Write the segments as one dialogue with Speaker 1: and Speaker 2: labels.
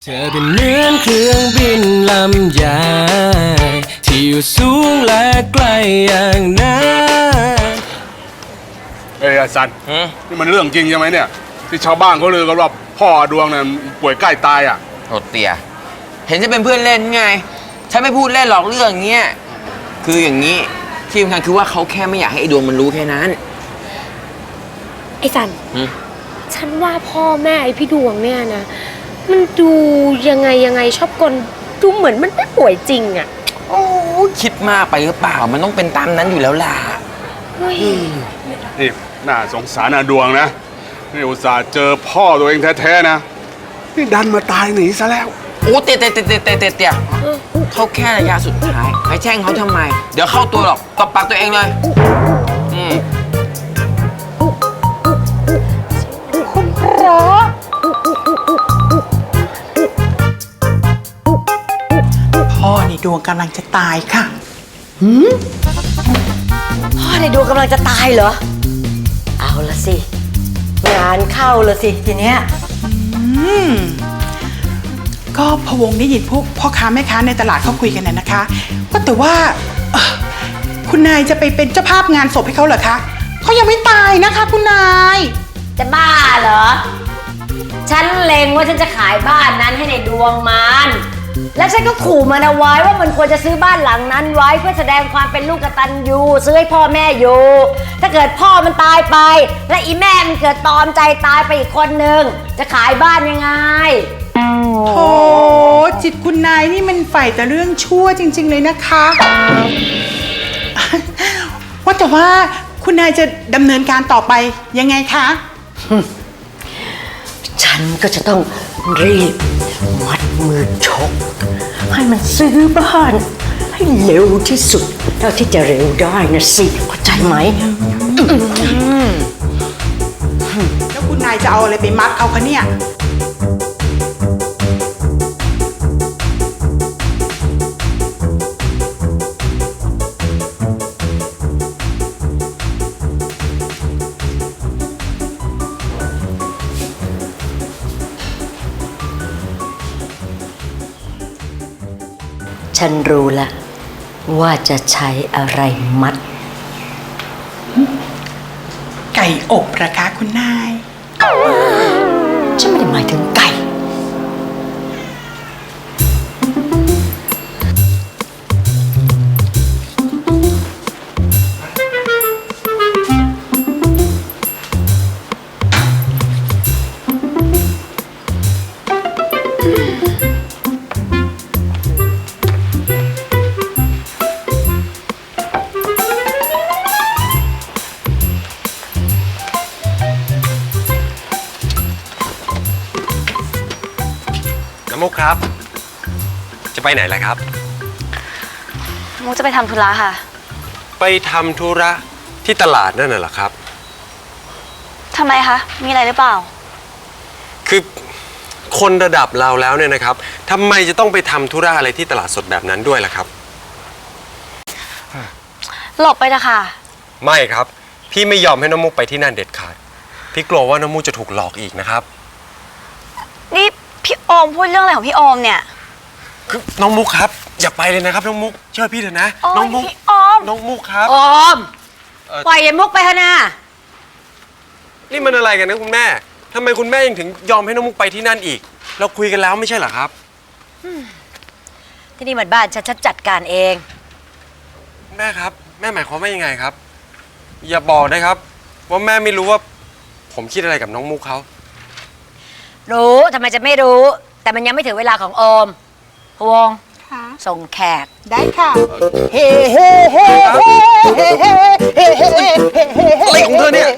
Speaker 1: เธอเป็นเหมือนเครื่องบินลำใหญ่ที่อยู่สูงและไกลอย่างนั้น
Speaker 2: ไอ้สันนี่มันเรื่องจริงใช่ไหมเนี่ยที่ชาวบ้านเขาลือกันว่าพ่อดวงเนี่ยป่วยใกล้ตายอ่ะ
Speaker 3: โหดเตี่ยเห็นจะเป็นเพื่อนเล่นไงฉันไม่พูดเล่นหรอกเรื่องเงี้ยคืออย่างนี้ที่สำคัญคือว่าเขาแค่ไม่อยากให้ไอ้ดวงมันรู้แค่นั้น
Speaker 4: ไอ้สันฉันว่าพ่อแม่ไอ้พี่ดวงเนี่ยนะมันดูยังไงชอบกลดูเหมือนมันไม่ป่วยจริงอ่ะ
Speaker 3: โอ้คิดมากไปหรือเปล่ามันต้องเป็นตามนั้นอยู่แล้วล่ะ
Speaker 2: นี่น่าสงสารดวงนะนี่อุตส่าห์เจอพ่อตัวเองแท้ๆนะนี่ดันมาตายหนีซะแล้ว
Speaker 3: โอ้เตี่ยเขาแค่ระยะสุดท้ายไปแช่งเขาทำไมเดี๋ยวเข้าตัวหรอกตบปากตัวเองเลย
Speaker 4: คุณพระ
Speaker 5: พ่อในดวงกำลังจะตายค่ะ
Speaker 6: พ่อในดวงกำลังจะตายเหรอเอาละสิงานเข้าละสิทีเนี้ย
Speaker 5: ก็พะวงได้ยินพวกพ่อค้าแม่ค้าในตลาดเขาคุยกันน่ะนะคะว่าแต่ว่าคุณนายจะไปเป็นเจ้าภาพงานศพให้เขาเหรอคะเขายังไม่ตายนะคะคุณนาย
Speaker 6: จะบ้าเหรอฉันเล็งว่าฉันจะขายบ้านนั้นให้ในดวงมันแล้วฉันก็ขู่มันเอาไว้ว่ามันควรจะซื้อบ้านหลังนั้นไว้เพื่อแสดงความเป็นลูกกตัญญูซื้อให้พ่อแม่อยู่ถ้าเกิดพ่อมันตายไปและอีแม่มันเกิดตอมใจตายไปอีกคนนึงจะขายบ้านยังไง
Speaker 5: โธ่จิตคุณนายนี่มันใฝ่แต่เรื่องชั่วจริงๆเลยนะคะว่าแต่ว่าคุณนายจะดำเนินการต่อไปยังไงคะ
Speaker 6: ฉันก็จะต้องรีบมัดมือชกให้มันซื้อบ้านให้เร็วที่สุดเท่าที่จะเร็วได้นะสิเข้าใจไหม
Speaker 5: แล้วคุณนายจะเอาอะไรไปมัดเขาคะเนี่ย
Speaker 6: ฉันรู้ละว่าจะใช้อะไรมัด
Speaker 5: ไก่อบเหรอคะคุณนาย
Speaker 6: ฉันไม่ได้หมายถึงไก่
Speaker 7: มุกครับจะไปไหนล่ะครับ
Speaker 4: มุกจะไปทำธุระค่ะ
Speaker 7: ไปทำธุระที่ตลาดนั่นน่ะเหรอครับ
Speaker 4: ทำไมคะมีอะไรหรือเปล่า
Speaker 7: คือคนระดับเราแล้วเนี่ยนะครับทำไมจะต้องไปทำธุระอะไรที่ตลาดสดแบบนั้นด้วยล่ะครับ
Speaker 4: หลบไปเถอะค่ะ
Speaker 7: ไม่ครับพี่ไม่ยอมให้น้องมุกไปที่นั่นเด็ดขาดพี่กลัวว่าน้องมุกจะถูกหลอกอีกนะครับ
Speaker 4: นี่พี่โอมพูดเรื่องอะไรของพี่โอมเนี่ย
Speaker 7: คือน้องมุกครับอย่าไปเลยนะครับน้องมุกเชื่อพี่เถอะนะน้องมุกน้องมุกครับ
Speaker 6: โอมปล่อยไอ้มุกไปเถอะนะ
Speaker 7: นี่มันอะไรกันนะคุณแม่ทำไมคุณแม่ยังถึงยอมให้น้องมุกไปที่นั่นอีกเราคุยกันแล้วไม่ใช่เหรอครับ
Speaker 6: ที่นี่มันบ้านฉันจัดการเอง
Speaker 7: แม่ครับแม่หมายความว่ายังไงครับอย่าบอกนะครับว่าแม่ไม่รู้ว่าผมคิดอะไรกับน้องมุกเขา
Speaker 6: รู้ทำไมจะไม่รู้แต่มันยังไม่ถึงเวลาของโอมพวงส่งแขก
Speaker 5: ได้ค่ะ
Speaker 6: เฮ้เฮ้เฮ้เฮ้
Speaker 7: อะไรของเธอเนี่ย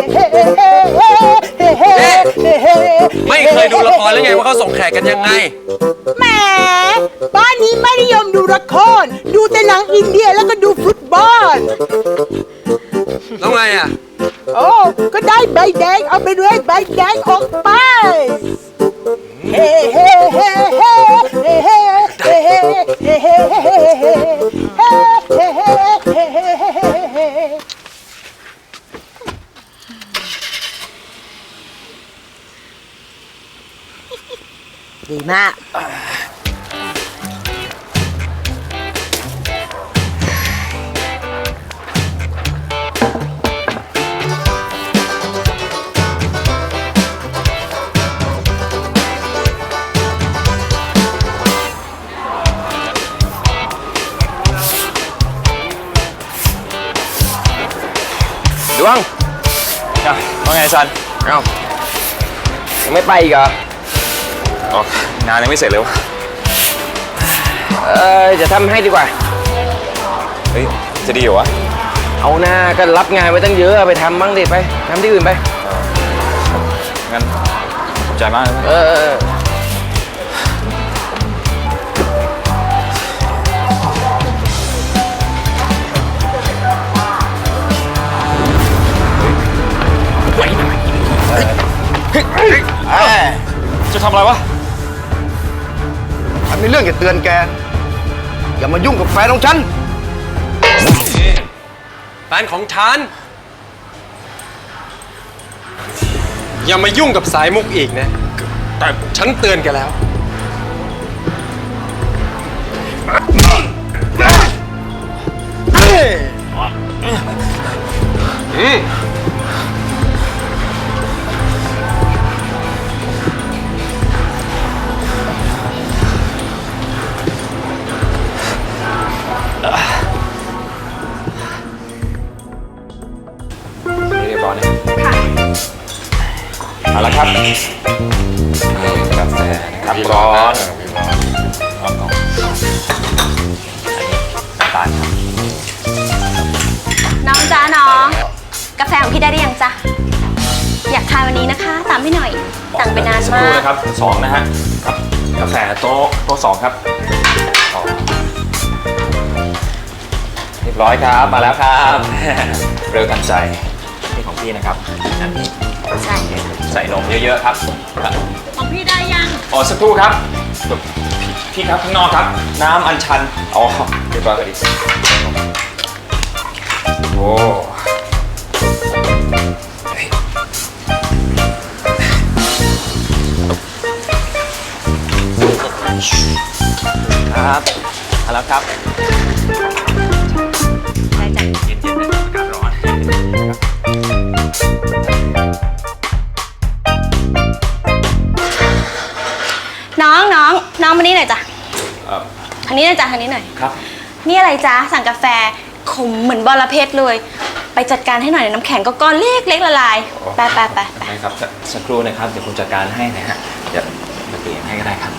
Speaker 7: ไม่เคยดูละครแล้วไงว่าเขาส่งแขกกันยังไง
Speaker 5: แหมบ้านนี้ไม่นิยมดูละครดูแต่หนังอินเดียแล้วก็ดูฟุตบอล
Speaker 7: แล้วไงอ่ะ
Speaker 5: โอ้ก็ได้ใบแดงเอาไปเลยใบแดงออกไปเฮ้เฮ้เฮ้เฮ้เฮ้เฮ้เฮ้เฮ้เฮ้เฮ้เฮ้
Speaker 6: ดีมาก
Speaker 3: ดวง
Speaker 8: ว่าไงซัน
Speaker 3: เอ้ายังไม่ไปอีกเหรอ
Speaker 8: อ๋องานยังไม่เสร็จเลยวะ
Speaker 3: จะทำให้ดีกว่า
Speaker 8: เฮ้ย จะดีเหรอวะ
Speaker 3: เอาหน้าก็รับงานไว้ตั้งเยอะไปทำบ้างดิไปทำที่อื่นไป
Speaker 8: งั้นขอบใจมากเลย จะทำอะไรวะ
Speaker 9: ฉันมีเรื่องจะเตือนแก อย่ามายุ่งกับแฟนของฉัน
Speaker 7: แฟนของฉัน อย่ามายุ่งกับสายมุกอีกนะ แต่ฉันเตือนแกแล้ว
Speaker 8: เรียบร้อยนะเอาละครับกาแฟนะครับร้อนร้อนก่อนอันนี้น้ำตาลครับ
Speaker 10: น้องจ้าน้อง กาแฟของพี่ได้หรือยังจ๊ะ อยากทานวันนี้นะคะ ตามพี่หน่อย สั่งไปนาน
Speaker 8: สักค
Speaker 10: มา
Speaker 8: รู่
Speaker 10: ก
Speaker 8: นะครับสองนะฮะครับกาแฟโต๊ะสองครับอ๋อเรียบร้อยครับ มาแล้วครับ เร็วทันใจนี่ของพี่นะครับอันนี้
Speaker 10: ใช่
Speaker 8: ใส่นมเยอะๆครับ
Speaker 10: ของพี่ได้ยัง
Speaker 8: อ๋อสักครู่ครับพี่ครับข้างนอกครับ น้ำอัญชันอ๋อเรียบร้อยพอดีโอ้เฮ้ยครับมาแล้วครับ
Speaker 10: ได้จ้ะ
Speaker 8: เย็นๆเลยอากาศร้อน
Speaker 10: น้องมานี่หน่อยจ้ะทางนี้หน่อยจ้ะทางนี้หน่อย
Speaker 8: ครับ
Speaker 10: นี่อะไรจ๊ะ สั่งกาแฟขมเหมือนบอระเพ็ดเลย ไปจัดการให้หน่อยน้ำแข็งก็ก้อนเล็กละลาย ไป
Speaker 8: ได้ครับสักครู่นะครับ เดี๋ยวผมจัดการให้นะฮะ เดี๋ยวมาเปลี่ยนให้ก็ได้ครับ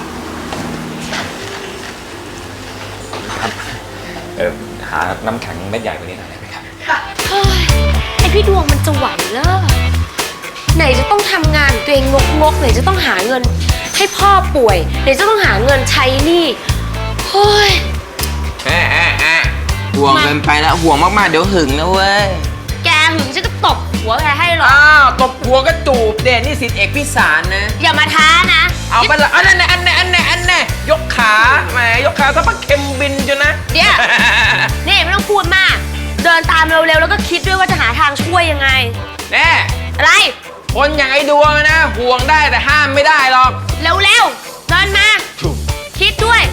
Speaker 8: ครับ หาน้ำแข็งเม็ดใหญ่กว่านี้หน่อยได้ไหมครับ
Speaker 4: เฮ้ยไอพี่ดวงมันจะไหวเหรอไหนจะต้องทำงานของตัวเองงกไหนจะต้องหาเงิน ให้พ่อป่วยไหนจะต้องหาเงินใช้หนี้เฮ้ย
Speaker 3: ห่วงเกินไปแล้วห่วงมากๆเดี๋ยวหึงนะเว้ย
Speaker 4: แกหึงฉันก็ตบหัวแกให้หรอก
Speaker 3: อ้าวตบหัวก็จูบเด่นนี่สิทธิเอกพิสารนะ
Speaker 4: อย่ามาท้านะ
Speaker 3: เอาไปละอันนั้นยกขาแหมยกขาถ้าพักเข็มบินจนนะ
Speaker 4: เดี๋ยวนี่ไม่ต้องพูดมาก เดินตามเร็วๆแล้วก็คิดด้วยว่าจะหาทางช่วยยังไง
Speaker 3: แน่
Speaker 4: อะไร
Speaker 3: คนอย่างไอ้ดวงนะห่วงได้แต่ห้ามไม่ได้หรอก
Speaker 4: เร็วๆเดินมา คิดด้วย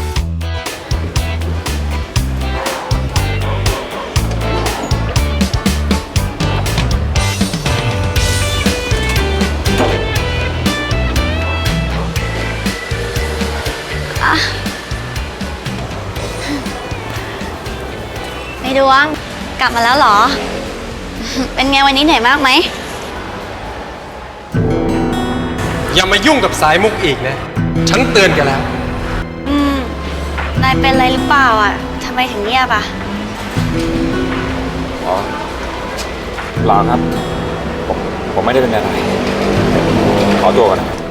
Speaker 10: ในดวง กลับมาแล้วเหรอ เป็นไงวันนี้เหนื่อยมากไหม
Speaker 7: อย่ามายุ่งกับสายมุกอีกนะ ฉันเตือนแกแล้ว
Speaker 10: นายเป็นอะไรหรือเปล่าอ่ะทำไมถึงเงียบอ่ะ
Speaker 8: อ๋อเปล่าครับ ผมไม่ได้เป็นอะไร ขอตัวก่อนนะครับ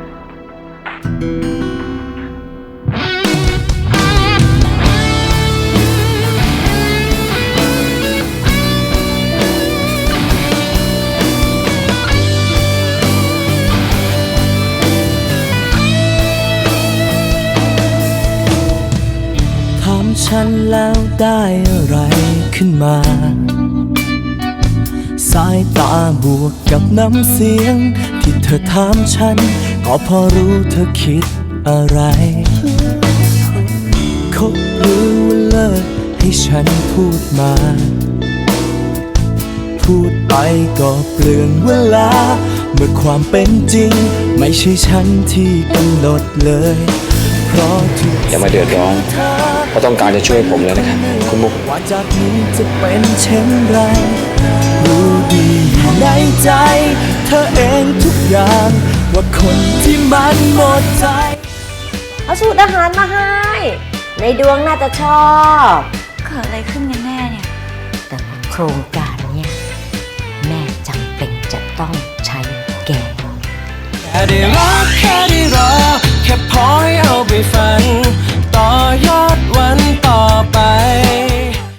Speaker 1: ถามฉันแล้วได้อะไรขึ้นมา สายตาบวกกับน้ำเสียง ที่เธอถามฉัน ก็พอรู้เธอคิดอะไรคบหรือว่าเลิกให้ฉันพูดมา พูดไปก็เปลืองเวลา เมื่อความเป็นจริงไม่ใช่ฉันที่กำหนดเลยเพราะทุก
Speaker 8: อย่ามาเดือดร้อนเพราะต้องการจะช่วยผมเลยนะครับคุณมุก
Speaker 1: ว่าจากนี้จะเป็นเช่นไรรู้ดีอยู่ในใจเธอเองทุกอย่างว่าคนที่มันหมดใจ
Speaker 6: เอาสูตรอาหารมาให้ ในดวงน่าจะชอบ
Speaker 10: เกิดอะไรขึ้นกันแน่เนี่ย
Speaker 6: แต่ว่าโครงการเนี่ยแม่จำเป็นจะต้องใช้แก
Speaker 1: แค่ได้รักแค่ได้รอแค่พอให้เอาไปฝัน